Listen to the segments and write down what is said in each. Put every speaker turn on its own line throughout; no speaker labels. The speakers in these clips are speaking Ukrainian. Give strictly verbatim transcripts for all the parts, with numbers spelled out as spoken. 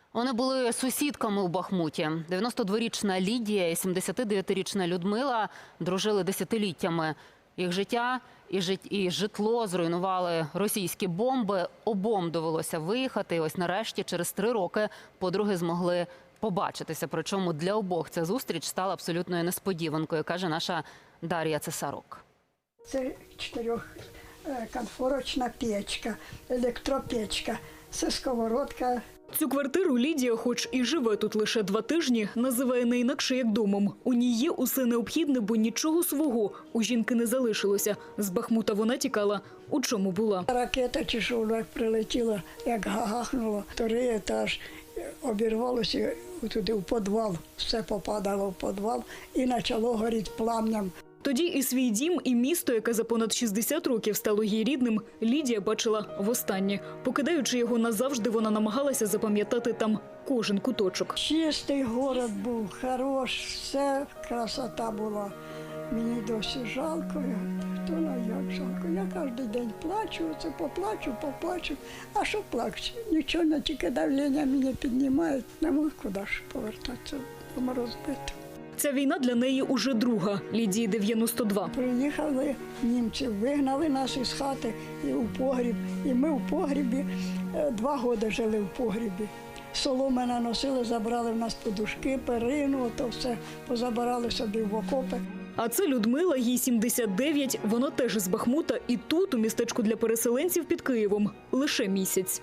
Вони були сусідками у Бахмуті. дев'яностодворічна Лідія і сімдесятидев'ятирічна Людмила дружили десятиліттями. Їх життя і, жит... і житло зруйнували російські бомби. Обом довелося виїхати. І ось нарешті, через три роки, подруги змогли побачитися. Причому для обох ця зустріч стала абсолютною несподіванкою, каже наша Дар'я Цесарук.
Це чотирьохконфорочна печка, електропечка, це сковородка.
Цю квартиру Лідія, хоч і живе тут лише два тижні, називає не інакше як домом. У ній є усе необхідне, бо нічого свого у жінки не залишилося. З Бахмута вона тікала. У чому була?
Ракета чи що, як прилетіла, як гахнуло, вторий етаж, обірвалося туди в підвал, все попадало в підвал і почало горіти пламням.
Тоді і свій дім, і місто, яке за понад шістдесят років стало їй рідним, Лідія бачила востаннє. Покидаючи його назавжди, вона намагалася запам'ятати там кожен куточок.
Чистий город був, хорош, все красота була. Мені досі жалко, хто на як жалко. Я кожен день плачу, це поплачу, поплачу. А що плачу? Нічого, не тільки давлення мене піднімають. Не можу куди ж повертатися, дома розбити.
Ця війна для неї уже друга. Лідії дев'яносто два.
Приїхали німці, вигнали нас із хати і у погріб. І ми в погрібі, два роки жили в погрібі. Соломи наносили, забрали в нас подушки, перину, ото все позабирали собі в окопи.
А це Людмила, їй сімдесят дев'ять, вона теж з Бахмута і тут, у містечку для переселенців під Києвом, лише місяць.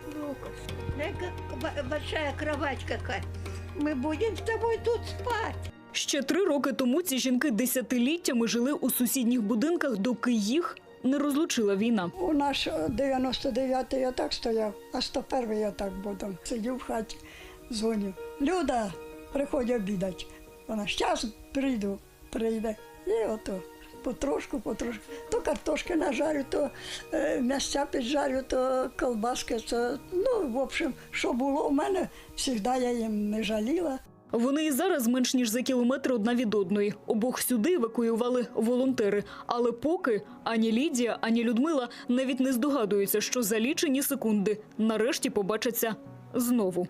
Большая кровать какая. Мы будем с тобой тут спать.
Ще три роки тому ці жінки десятиліттями жили у сусідніх будинках, доки їх не розлучила війна.
У нас дев'яносто дев'ятий я так стояв, а сто перший я так буду. Сидів в хаті, дзвоню. Люда, приходь обідати. Вона, зараз прийду, прийде. І ото потрошку, потрошку. То картошки нажарю, то е, м'ясця піджарю, то колбаски. То, ну, в общем, що було у мене, завжди я їм не жаліла.
Вони і зараз менш ніж за кілометр одна від одної. Обох сюди евакуювали волонтери. Але поки ані Лідія, ані Людмила навіть не здогадуються, що за лічені секунди нарешті побачаться знову.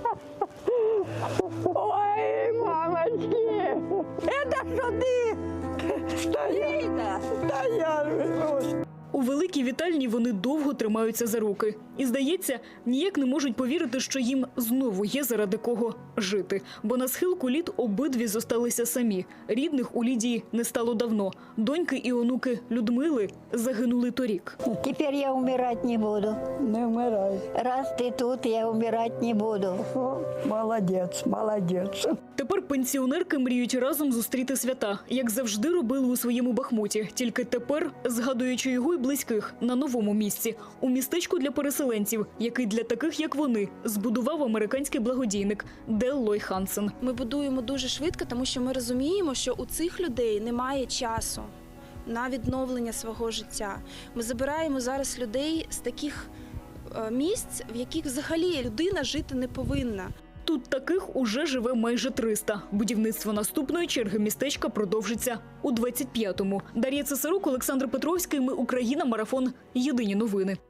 Ой, мамочки, это что ты? Стоит,
Та я
У великій вітальні вони довго тримаються за руки. І, здається, ніяк не можуть повірити, що їм знову є заради кого жити. Бо на схилку літ обидві зосталися самі. Рідних у Лідії не стало давно. Доньки і онуки Людмили загинули торік.
Теперь я умирать не буду.
не вмирай.
Раз ты тут, я умирать не буду.
О, молодець, молодець.
Тепер пенсіонерки мріють разом зустріти свята, як завжди робили у своєму Бахмуті. Тільки тепер, згадуючи його і близьких, на новому місці. У містечку для переселенців, який для таких, як вони, збудував американський благодійник Дель Ллойд Хансен.
Ми будуємо дуже швидко, тому що ми розуміємо, що у цих людей немає часу на відновлення свого життя. Ми забираємо зараз людей з таких е, місць, в яких взагалі людина жити не повинна.
Тут таких уже живе майже триста. Будівництво наступної черги містечка продовжиться у двадцять п'ятому. Дар'я Цесарук, Олександр Петровський. Ми Україна. Марафон. Єдині новини.